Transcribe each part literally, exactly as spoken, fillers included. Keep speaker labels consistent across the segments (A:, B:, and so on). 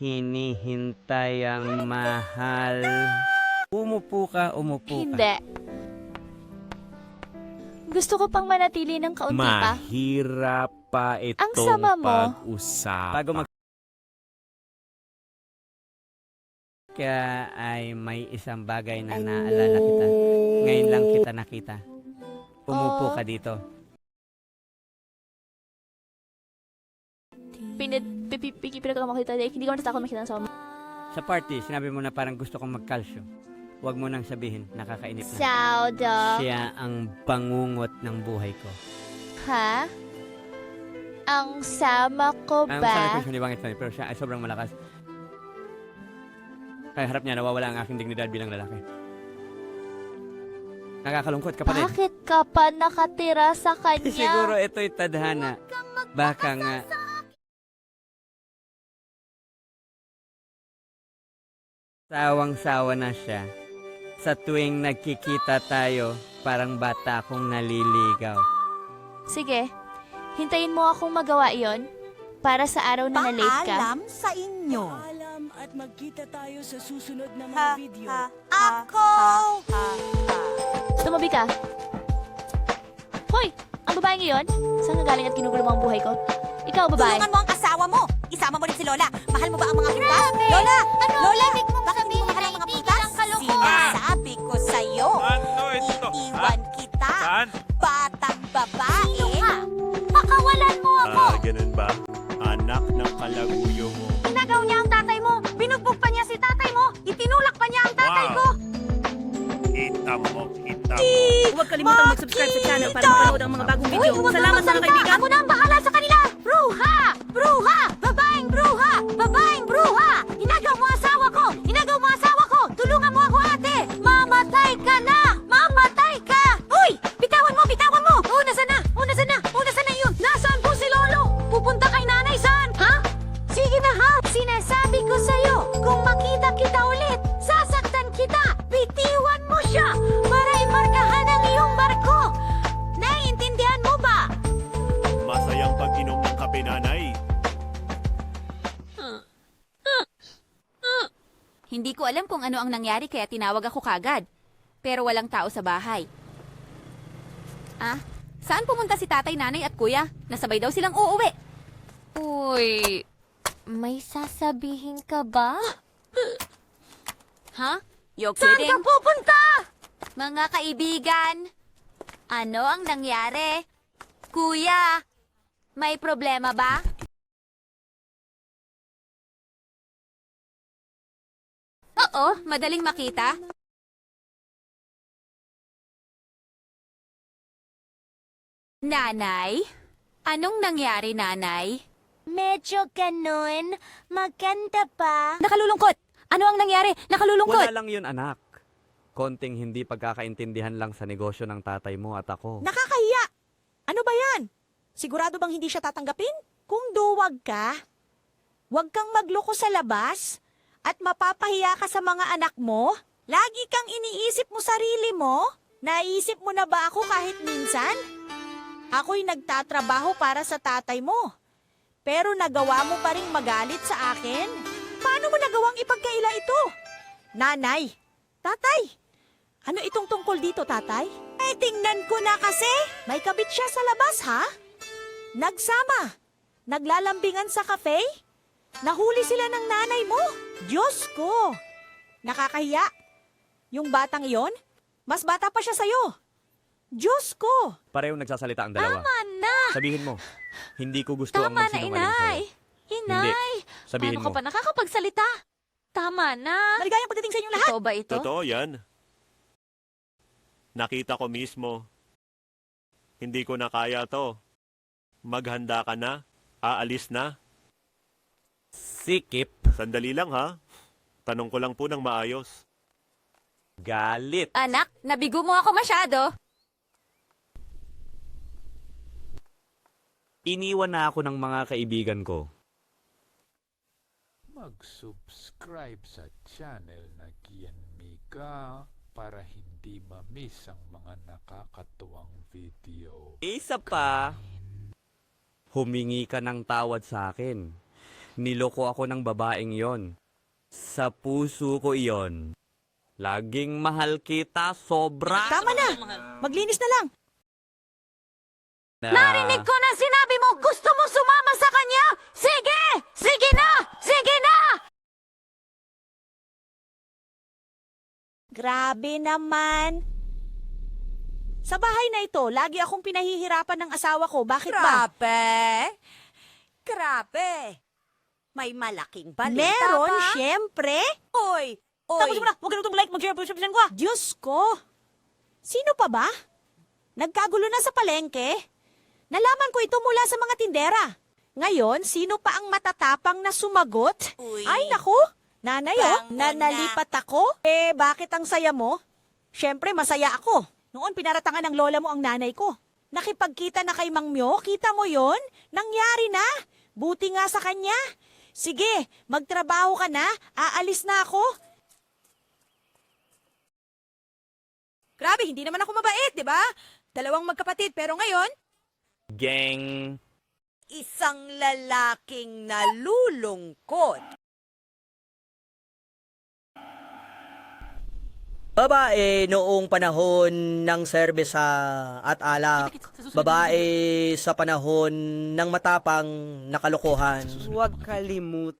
A: hinihintay ang mahal. Umupo ka, umupo ka.
B: Hindi. Gusto ko pang manatili ng kaunti pa.
A: Mahirap pa itong
B: Ang sama mo.
A: pag-usapan. Bago mag... Kaya ay may isang bagay na naalala kita. Ngayon lang kita nakita. Umupo
B: Oh.
A: ka dito.
B: Pinag Pinag ako makita. Hindi ko natatakot makita ng sama.
A: Sa party, sinabi mo na parang gusto kong magkalsyo. Huwag mo nang sabihin, nakakainip na.
B: Saudo.
A: Siya ang bangungot ng buhay ko.
B: Ha? Ang sama ko
A: Ang
B: ba?
A: sana ko siya ni Bangit Fanny, pero siya ay sobrang malakas. Kaya harap niya, nawawala ang aking dignidad bilang lalaki. Nakakalungkot, kapatid.
B: Bakit ka pa nakatira sa kanya?
A: Siguro ito'y tadhana. Baka nga... Sawang-sawa na siya. Sa tuwing nagkikita tayo, parang bata akong naliligaw.
B: Sige, hintayin mo akong magawa yon para sa araw na na-late ka.
C: Paalam sa inyo.
D: Paalam at magkita tayo sa susunod na mga
C: Ha,
D: video.
C: ha, Ako!
B: Tumabi ka. Hoy! Ang babaeng iyon? Saan ka galing at ginugulo mo ang buhay ko? Ikaw, babae.
C: Tulungan mo ang asawa mo. Isama mo rin si Lola. Mahal mo ba ang mga prutas? Lola!
B: Ano
C: Lola!
B: ibig mong
C: Bakit hindi mo
B: sabihin
C: mahal
B: na
C: ang mga
B: hindi
C: prutas?
B: ka lang kalokohan?
C: Sinasabi ko sa'yo.
E: Ano ito?
C: Iiwan kita.
E: Saan?
C: Batang babae.
B: Pakawalan mo ako!
E: Ah, ganun ba? Anak ng kalaguyo mo.
C: Inagaw niya ang tatay mo. Binugbog pa niya si tatay mo. Itinulak pa niya ang tatay
E: Wow.
C: ko.
E: Kita mo, kita mo.
D: Huwag kalimutang mag-subscribe sa channel para mapanood ang mga bagong video. Salamat mga kaibigan!
C: Ako na ang bahala sa kanila! Bruha! Bruha! Babaeng bruha! Babaeng bruha! Inagaw mo asawa ko! Inagaw mo asawa ko! Tulungan mo ako, ate! Mamatay ka na! Mamatay ka! Uy! Bitawan mo! Bitawan mo! Oh, nasa na? Oh, nasa na? Oh, nasa na yun? Nasaan po si Lolo? Pupunta kay nanay saan? Ha? Sige na ha! Sinasabi ko sa'yo, kung makita kita ulit, sasaktan kita! Bitiwan mo siya para imarkahan ang iyong barko! Naiintindihan mo ba?
E: Masayang pag-inom ng kape, nanay.
F: Hindi ko alam kung ano ang nangyari kaya tinawag ako kagad. Pero walang tao sa bahay. Ah, saan pumunta si tatay, nanay at kuya? Nasabay daw silang uuwi.
B: Uy, may sasabihin ka ba?
F: Ha? You're
C: Saan ka
F: kidding?
C: pupunta?
F: Mga kaibigan, ano ang nangyari? Kuya, may problema ba? Oo, madaling makita. Nanay? Anong nangyari, nanay?
B: Medyo ganun. Maganda pa.
F: Nakalulungkot! Ano ang nangyari? Nakalulungkot!
A: Wala lang yun, anak. Konting hindi pagkakaintindihan lang sa negosyo ng tatay mo at ako.
C: Nakakahiya! Ano ba yan? Sigurado bang hindi siya tatanggapin? Kung duwag ka, huwag kang magloko sa labas at mapapahiya ka sa mga anak mo. Lagi kang iniisip mo sarili mo. Naisip mo na ba ako kahit minsan? Ako'y nagtatrabaho para sa tatay mo. Pero nagawa mo pa rin magalit sa akin? Paano mo nagawang ipagkaila ito? Nanay, tatay, ano itong tungkol dito, tatay? Eh, tingnan ko na kasi. May kabit siya sa labas, ha? Nagsama. Naglalambingan sa cafe. Nahuli sila ng nanay mo. Diyos ko. Nakakahiya. Yung batang iyon, mas bata pa siya sa'yo. Diyos ko.
A: Pareho nagsasalita ang dalawa.
B: Tama na!
A: Sabihin mo, hindi ko gusto ang
B: Tama na,
A: magsinungaling
B: inay!
A: sa'yo.
B: Inay!
A: Sabihin
B: Paano ka
A: mo.
B: pa nakakapagsalita? Tama na!
C: Maligayang pagdating sa inyong lahat.
B: Totoo ba ito?
E: Totoo yan. Nakita ko mismo. Hindi ko na kaya to. Maghanda ka na. Aalis na.
A: Sikip,
E: Sandali lang ha. Tanong ko lang po ng maayos.
A: galit.
F: Anak, nabigo mo ako masyado.
A: Iniwan na ako ng mga kaibigan ko.
G: Mag-subscribe sa channel na Kian Mika para hindi ma-miss ang mga nakakatuwang video.
A: Isa pa, humingi ka ng tawad sa akin. Niloko ako ng babaeng yon. Sa puso ko iyon. Laging mahal kita, sobra.
C: Tama na! Maglinis na lang!
A: Narinig
F: ko na sinabi mo gusto mo sumama sa kanya! Sige! Sige na! Sige na!
C: Grabe naman! Sa bahay na ito, lagi akong pinahihirapan ng asawa ko. Bakit ba?
H: Grabe! Grabe! May malaking balita
C: Meron,
H: ba?
C: syempre.
H: Oy! Oy!
C: Tapos mo na, huwag ka na itong like, mag-share, mag-share ko ah. Diyos ko! Sino pa ba? Nagkagulo na sa palengke? Nalaman ko ito mula sa mga tindera. Ngayon, sino pa ang matatapang na sumagot?
H: Uy.
C: Ay, naku! Nanay, oh,
H: Bango na.
C: nanalipat ako. Eh, bakit ang saya mo? Siyempre, masaya ako. Noon, pinaratangan ng lola mo ang nanay ko. Nakipagkita na kay Mang Myo, kita mo yon? Nangyari na. Buti nga sa kanya. Sige, magtrabaho ka na. Aalis na ako. Grabe, hindi naman ako mabait, di ba? Dalawang magkapatid, pero ngayon,
A: Gang.
H: Isang lalaking nalulungkot.
I: Babae noong panahon ng serbesa at alak. Babae sa panahon ng matapang na kalokohan.
A: Huwag kalimut.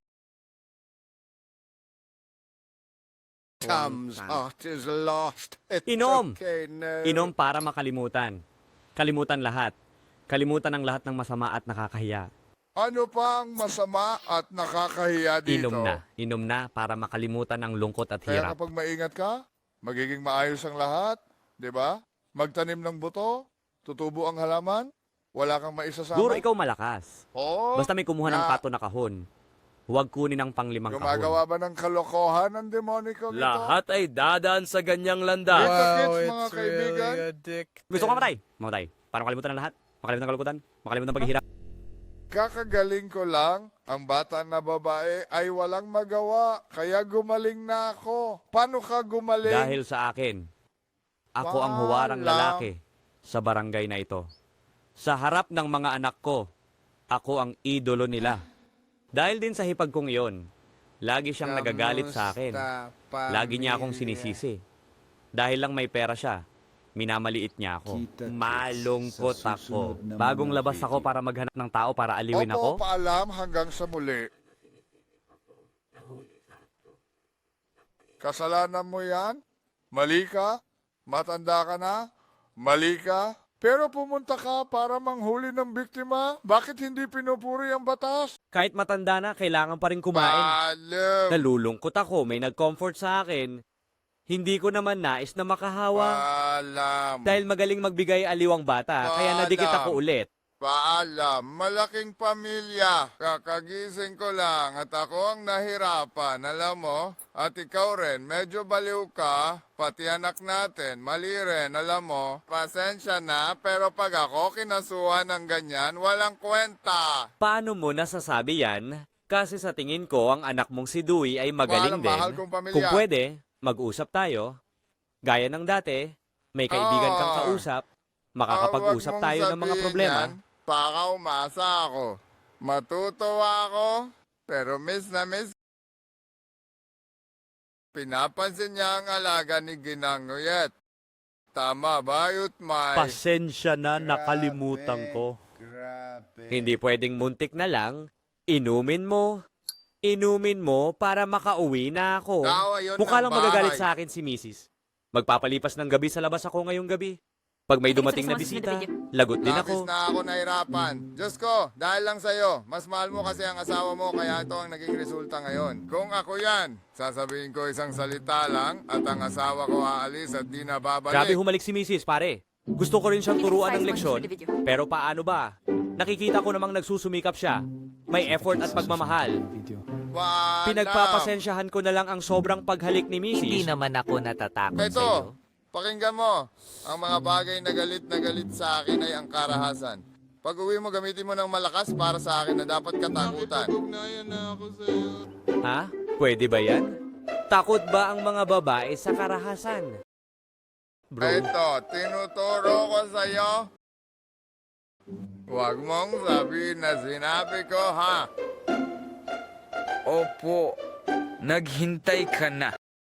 J: Tom's heart is lost. It's
A: Inom.
J: okay, no.
A: Inom para makalimutan. Kalimutan lahat. Kalimutan ang lahat ng masama at nakakahiya.
J: Ano pa ang masama at nakakahiya dito?
A: Inom na. Inom na para makalimutan ang lungkot at
J: Kaya
A: hirap.
J: kapag maingat ka, magiging maayos ang lahat, di ba? Magtanim ng buto, tutubo ang halaman, wala kang maisasama.
A: Siguro ikaw malakas.
J: Oo.
A: Basta may kumuha ng
J: na-
A: pato na kahon. Huwag kunin ang panglimang
J: Gumagawa
A: kahon.
J: ba ng kalokohan ang demoniko ito?
A: Lahat ay dadaan sa ganyang landa.
J: Kita kits, mga kaibigan.
A: Gusto ko mamatay. Mamatay. Para makalimutan ang lahat. Makalimutan ang kalungkutan. Makalimutan ang paghihirap.
J: Kakagaling ko lang, ang bata na babae ay walang magawa, kaya gumaling na ako. Paano ka gumaling?
A: Dahil sa akin, ako ang huwarang
J: Paalam.
A: lalaki sa barangay na ito. Sa harap ng mga anak ko, ako ang idolo nila. Dahil din sa hipag kong iyon, lagi siyang nagagalit sa akin. Lagi niya akong sinisisi. Dahil lang may pera siya, minamaliit niya ako. Malungkot ako. Bagong labas ako para maghanap ng tao para aliwin
J: Opo,
A: ako.
J: paalam hanggang sa muli. Kasalanan mo yan? Mali ka? Matanda ka na? Mali ka? Pero pumunta ka para manghuli ng biktima? Bakit hindi pinupuri ang batas?
A: Kahit matanda na, kailangan pa rin kumain.
J: Paalam!
A: Nalulungkot ako, may nag-comfort sa akin. Hindi ko naman nais na makahawa.
J: Paalam!
A: Dahil magaling magbigay aliwang bata, kaya nadikit ako ulit.
J: Paalam, malaking pamilya. Kakagising ko lang at ako ang nahirapan, alam mo? At ikaw rin, medyo baliw ka, pati anak natin, mali rin, alam mo? Pasensya na, pero pag ako kinasuhan ng ganyan, walang kwenta.
A: Paano mo nasasabi yan? Kasi sa tingin ko, ang anak mong si Dewey ay magaling
J: Paalam,
A: din.
J: mahal kong pamilya.
A: Kung pwede, mag-usap tayo. Gaya ng dati, may kaibigan kang
J: Ah.
A: kausap, makakapag-usap
J: Ah, wag
A: tayo
J: mong
A: ng mga
J: sabihin
A: problema.
J: yan, baka umasa ako. Matutuwa ako, pero miss na miss. Pinapansin niya ang alaga ni Ginanguyet. Tama ba, Yutmay?
A: Pasensya na, nakalimutan ko. Hindi pwedeng muntik na lang, inumin mo. Inumin mo para makauwi na ako.
J: Tawa yun
A: Mukha
J: ng
A: lang magagalit
J: bahay.
A: sa akin si missus Magpapalipas ng gabi sa labas ako ngayong gabi. Pag may dumating na bisita, lagot din
J: Labis
A: ako.
J: na ako nahirapan. Diyos ko, dahil lang sa'yo, mas mahal mo kasi ang asawa mo, kaya ito ang naging resulta ngayon. Kung ako yan, sasabihin ko isang salita lang, at ang asawa ko aalis at di na babalik.
A: Grabe humalik si missus pare. Gusto ko rin siyang turuan ng leksyon, pero paano ba? Nakikita ko namang nagsusumikap siya. May effort at pagmamahal.
J: Paalam.
A: Pinagpapasensyahan ko na lang ang sobrang paghalik ni missus
K: Hindi naman ako natatakot
J: Ito,
K: sa'yo.
J: pakinggan mo. Ang mga bagay na galit na galit sa akin ay ang karahasan. Pag uwi mo, gamitin mo ng malakas para sa akin na dapat katakutan.
A: Ha? Pwede ba yan? Takot ba ang mga babae sa karahasan? Bro,
J: Ito, tinuturo ko sa'yo. Huwag mong sabihin na sinabi ko, ha?
K: Opo, naghintay ka na.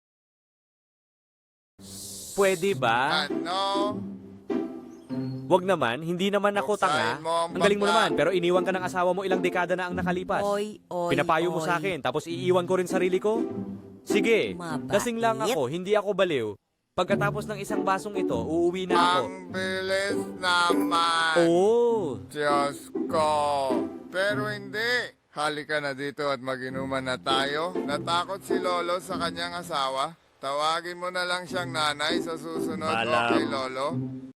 A: Pwede ba?
J: Ano?
A: Wag naman, hindi naman ako tanga.
J: Buksain mo ang
A: Ang galing mo
J: bangka.
A: naman, pero iniwan ka ng asawa mo ilang dekada na ang nakalipas.
H: Oy, oy,
A: Pinapayo mo
H: oy.
A: sa akin, tapos iiwan ko rin sarili ko? Sige,
H: Mabait.
A: lasing lang ako, hindi ako baliw. Pagkatapos ng isang basong ito, uuwi na ako.
J: Ang bilis naman.
A: Oo.
J: Diyos ko. Pero hindi. Halika na dito at maginuman na tayo. Natakot si Lolo sa kanyang asawa. Tawagin mo na lang siyang nanay sa susunod.
E: Malam.
J: Okay, Lolo?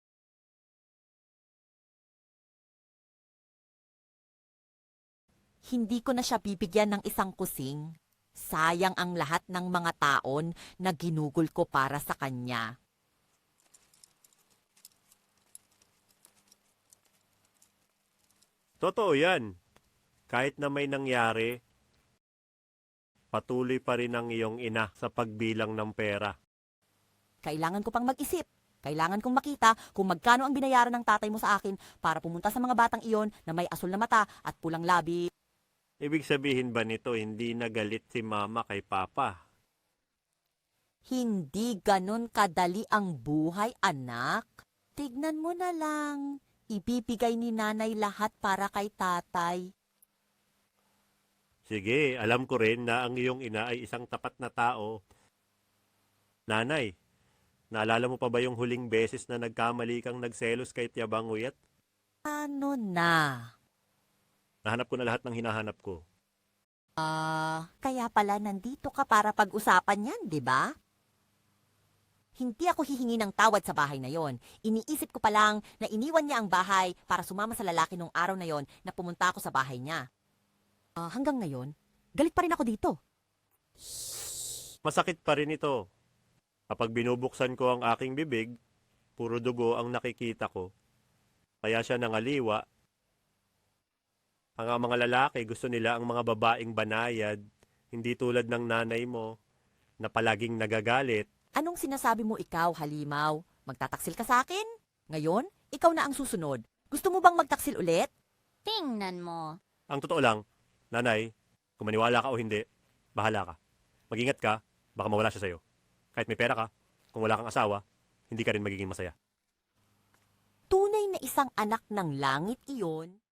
H: Hindi ko na siya bibigyan ng isang kusing. Sayang ang lahat ng mga taon na ginugol ko para sa kanya.
E: Totoo yan. Kahit na may nangyari, patuloy pa rin ang iyong ina sa pagbilang ng pera.
H: Kailangan ko pang mag-isip. Kailangan kong makita kung magkano ang binayaran ng tatay mo sa akin para pumunta sa mga batang iyon na may asul na mata at pulang labi.
E: Ibig sabihin ba nito hindi nagalit si mama kay papa?
H: Hindi ganun kadali ang buhay, anak. Tignan mo na lang. Ibibigay ni nanay lahat para kay tatay.
E: Sige, alam ko rin na ang iyong ina ay isang tapat na tao. Nanay, naalala mo pa ba yung huling beses na nagkamali kang nagselos kay Tiyabang Uyat?
H: Ano na?
E: Nahanap ko na lahat ng hinahanap ko.
H: Ah, kaya pala nandito ka para pag-usapan yan, di ba? Hindi ako hihingi ng tawad sa bahay na yon. Iniisip ko pa lang na iniwan niya ang bahay para sumama sa lalaki nung araw na yon na pumunta ako sa bahay niya. Ah, hanggang ngayon, galit pa rin ako dito.
E: Masakit pa rin ito. Kapag binubuksan ko ang aking bibig, puro dugo ang nakikita ko. Kaya siya nangaliwa. Ang mga lalaki gusto nila ang mga babaeng banayad, hindi tulad ng nanay mo na palaging nagagalit.
H: Anong sinasabi mo ikaw, Halimaw? Magtataksil ka sa akin? Ngayon, ikaw na ang susunod. Gusto mo bang magtaksil ulit?
F: Tingnan mo.
E: Ang totoo lang, nanay, kung maniwala ka o hindi, bahala ka. Mag-ingat ka, baka mawala siya sa'yo. Kahit may pera ka, kung wala kang asawa, hindi ka rin magiging masaya.
H: Tunay na isang anak ng langit iyon.